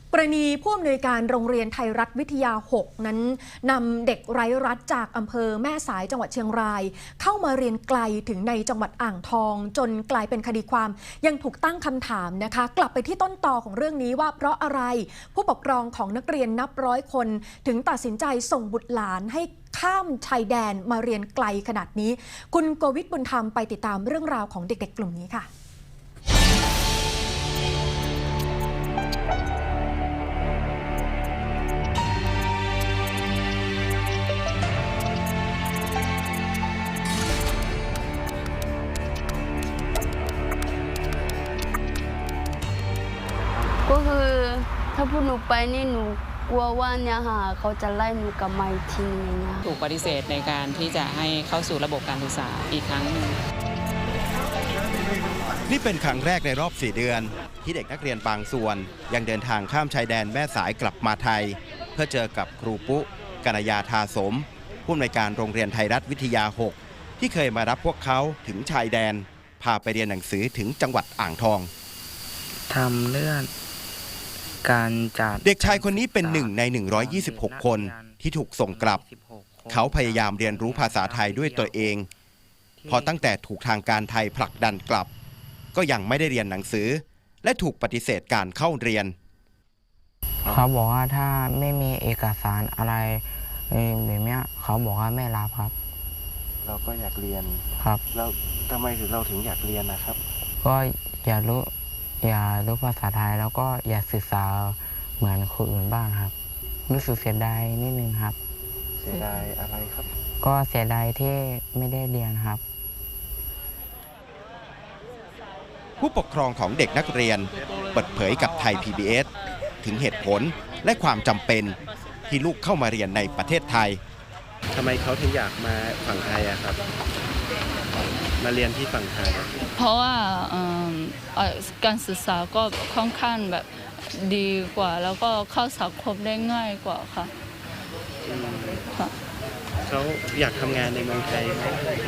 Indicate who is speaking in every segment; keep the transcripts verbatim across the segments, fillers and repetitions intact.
Speaker 1: กรณีผู้อำนวยการโรงเรียนไทยรัฐวิทยา หก นั้นนำเด็กไร้รัฐจากอำเภอแม่สายจังหวัดเชียงรายเข้ามาเรียนไกลถึงในจังหวัดอ่างทองจนกลายเป็นคดีความยังถูกตั้งคำถามนะคะกลับไปที่ต้นตอของเรื่องนี้ว่าเพราะอะไรผู้ปกครองของนักเรียนนับร้อยคนถึงตัดสินใจส่งบุตรหลานให้ข้ามชายแดนมาเรียนไกลขนาดนี้คุณโกวิทบุญธรรมไปติดตามเรื่องราวของเด็กๆกลุ่มนี้ค่ะ
Speaker 2: ก็คือถ้าพูดหนูไปนี่หนูกลัวว่าเนี่ยค่ะเขาจะไล่หนูกลับมาอีกทีนึงนะ
Speaker 3: ถูกปฏิเสธในการที่จะให้เข้าสู่ระบบการศึกษาอีกครั้งหนึ่ง
Speaker 4: นี่เป็นครั้งแรกในรอบสี่เดือนที่เด็กนักเรียนบางส่วนยังเดินทางข้ามชายแดนแม่สายกลับมาไทยเพื่อเจอกับครูปุ๊กัญญาทาสมผู้อำนวยการโรงเรียนไทยรัฐวิทยา หก ที่เคยมารับพวกเขาถึงชายแดนพาไปเรียนหนังสือถึงจังหวัดอ่างทอง
Speaker 5: ทำเรื่องการจัด
Speaker 4: เด็กชายคนนี้เป็นหนึ่งในหนึ่งร้อยยี่สิบหกคนที่ถูกส่งกลับเขาพยายามเรียนรู้ภาษาไทยด้วยตัวเองพอตั้งแต่ถูกทางการไทยผลักดันกลับก็ยังไม่ได้เรียนหนังสือและถูกปฏิเสธการเข้าเรียน
Speaker 5: เขาบอกว่าถ้าไม่มีเอกสารอะไรแบบนี้เขาบอกว่าไม่รับครับ
Speaker 4: เราก็อยากเรียน
Speaker 5: ครับ
Speaker 4: แล้วทำไมถึงเราถึงอยากเรียนนะครับ
Speaker 5: ก็อยากรู้อยากรู้ภาษาไทยแล้วก็อยากศึกษาเหมือนคนอื่นบ้างครับรู้สึกเสียดายนิดนึงครับ
Speaker 4: เสียดายอะไรครับ
Speaker 5: ก็เสียดายที่ไม่ได้เรียนครับ
Speaker 4: ผู้ปกครองของเด็กนักเรียนเปิดเผยกับไทย พี บี เอส ถึงเหตุผลและความจำเป็นที่ลูกเข้ามาเรียนในประเทศไทยทำไมเขาถึงอยากมาฝั่งไทยอะครับมาเรียนที่ฝั่งไทย
Speaker 6: เพราะว่าการศึกษาก็ค่อนข้างแบบดีกว่าแล้วก็เข้าสังคมได้ง่ายกว่าค่ะ
Speaker 4: เขาอยากทำงานในเมืองไทยไหม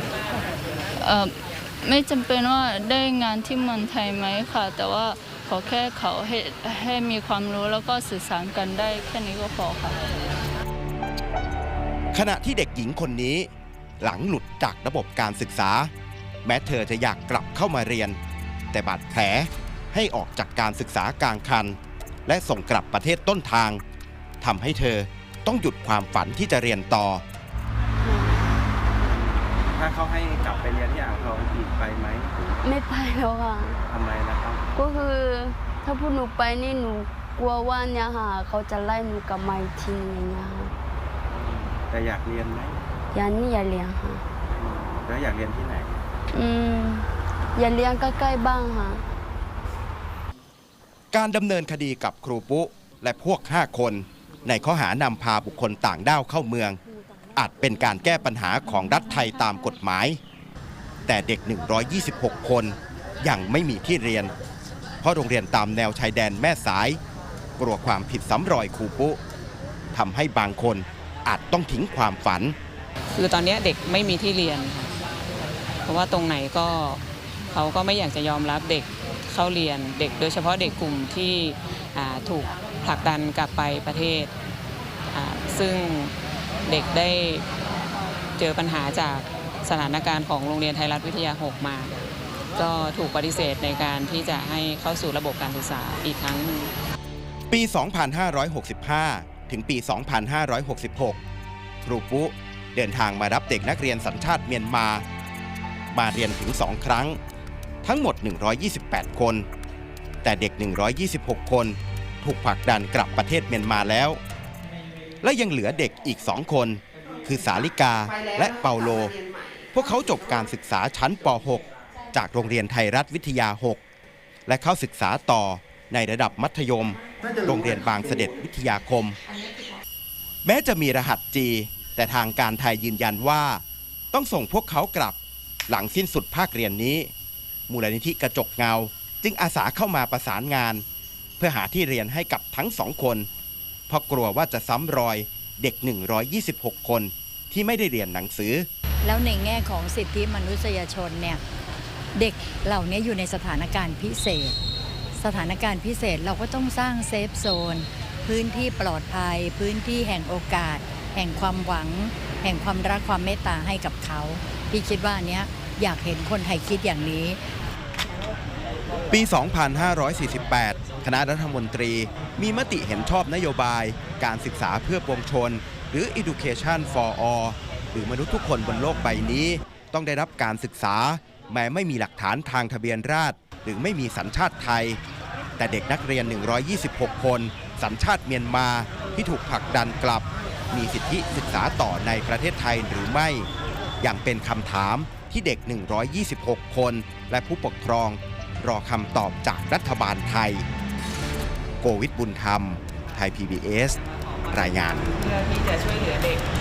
Speaker 6: ไม่จำเป็นว่าได้งานที่เมืองไทยไหมค่ะแต่ว่าขอแค่เขาให้ให้มีความรู้แล้วก็สื่อสารกันได้แค่นี้ก็พอค่ะ
Speaker 4: ขณะที่เด็กหญิงคนนี้หลังหลุดจากระบบการศึกษาแม้เธอจะอยากกลับเข้ามาเรียนแต่บาดแผลให้ออกจากการศึกษากลางคันและส่งกลับประเทศต้นทางทำให้เธอต้องหยุดความฝันที่จะเรียนต่อถ้าเขาให้กลับไปเรียนที่อ่างทองอีกไปไหม
Speaker 2: ไม่ไปแล้วค่ะ
Speaker 4: ทำไมนะครับ
Speaker 2: ก็คือถ้าพูดหนูไปนี่หนูกลัวว่าเนี่ยค่ะเขาจะไล่หนูกลับมาอีกทีนึงนะ
Speaker 4: แต่อยากเรียนไหม
Speaker 2: อยากนี่อยากเรียนค่ะ
Speaker 4: แล้วอยากเรียนที่ไหน
Speaker 2: อืมอยากเรียนใกล้ๆบ้างค่ะ
Speaker 4: การดำเนินคดีกับครูปุ๊และพวกห้าคนในข้อหานำพาบุคคลต่างด้าวเข้าเมืองอาจเป็นการแก้ปัญหาของรัฐไทยตามกฎหมายแต่เด็กหนึ่งร้อยยี่สิบหกคนยังไม่มีที่เรียนเพราะโรงเรียนตามแนวชายแดนแม่สายกลัวความผิดซ้ำรอยครูปุ๊ทำให้บางคนอาจต้องทิ้งความฝัน
Speaker 3: คือตอนนี้เด็กไม่มีที่เรียนเพราะว่าตรงไหนก็เขาก็ไม่อยากจะยอมรับเด็กเข้าเรียนเด็กโดยเฉพาะเด็กกลุ่มที่ถูกผลักดันกลับไปประเทศซึ่งเด็กได้เจอปัญหาจากสถานการณ์ของโรงเรียนไทยรัฐวิทยา หก มาก็ถูกปฏิเสธในการที่จะให้เข้าสู่ระบบการศึกษาอีกครั้งหนึ่ง
Speaker 4: ปี สองพันห้าร้อยหกสิบห้า ถึงปี สองพันห้าร้อยหกสิบหก ครูปุ๊เดินทางมารับเด็กนักเรียนสัญชาติเมียนมามาเรียนถึงสองครั้งทั้งหมดหนึ่งร้อยยี่สิบแปดคนแต่เด็กหนึ่งร้อยยี่สิบหกคนถูกผลักดันกลับประเทศเมียนมาแล้วและยังเหลือเด็กอีกสองคนคือสาลิกาและเปาโลพวกเขาจบการศึกษาชั้นป หก จากโรงเรียนไทยรัฐวิทยา หก และเข้าศึกษาต่อในระดับมัธยมโรงเรียนบางเสด็จวิทยาคมแม้จะมีรหัส จี แต่ทางการไทยยืนยันว่าต้องส่งพวกเขากลับหลังสิ้นสุดภาคเรียนนี้มูลนิธิกระจกเงาจึงอาสาเข้ามาประสานงานเพื่อหาที่เรียนให้กับทั้งสองคนเพราะกลัวว่าจะซ้ำรอยเด็กหนึ่งร้อยยี่สิบหกคนที่ไม่ได้เรียนหนังสือ
Speaker 7: แล้วในแง่ของสิทธิมนุษยชนเนี่ยเด็กเหล่านี้อยู่ในสถานการณ์พิเศษสถานการณ์พิเศษเราก็ต้องสร้างเซฟโซนพื้นที่ปลอดภัย พื้นที่แห่งโอกาส แห่งความหวัง แห่งความรักความเมตตาให้กับเขาพี่คิดว่าอันเนี้ยอยากเห็นคนไทยคิดอย่างนี้
Speaker 4: ปี สองพันห้าร้อยสี่สิบแปด คณะรัฐมนตรีมีมติเห็นชอบนโยบายการศึกษาเพื่อปวงชน หรือ Education for All หรือมนุษย์ทุกคนบนโลกใบนี้ต้องได้รับการศึกษาแม้ไม่มีหลักฐานทางทะเบียนราษฎร์หรือไม่มีสัญชาติไทย แต่เด็กนักเรียน หนึ่งร้อยยี่สิบหก คนสัญชาติเมียนมาที่ถูกผลักดันกลับ มีสิทธิศึกษาต่อในประเทศไทยหรือไม่อย่างเป็นคำถามที่เด็ก หนึ่งร้อยยี่สิบหก คนและผู้ปกครองรอคำตอบจากรัฐบาลไทยโกวิทบุญธรรมไทย พี บี เอส รายงาน
Speaker 3: เพื่อที่จะช่วยเหลือเด็ก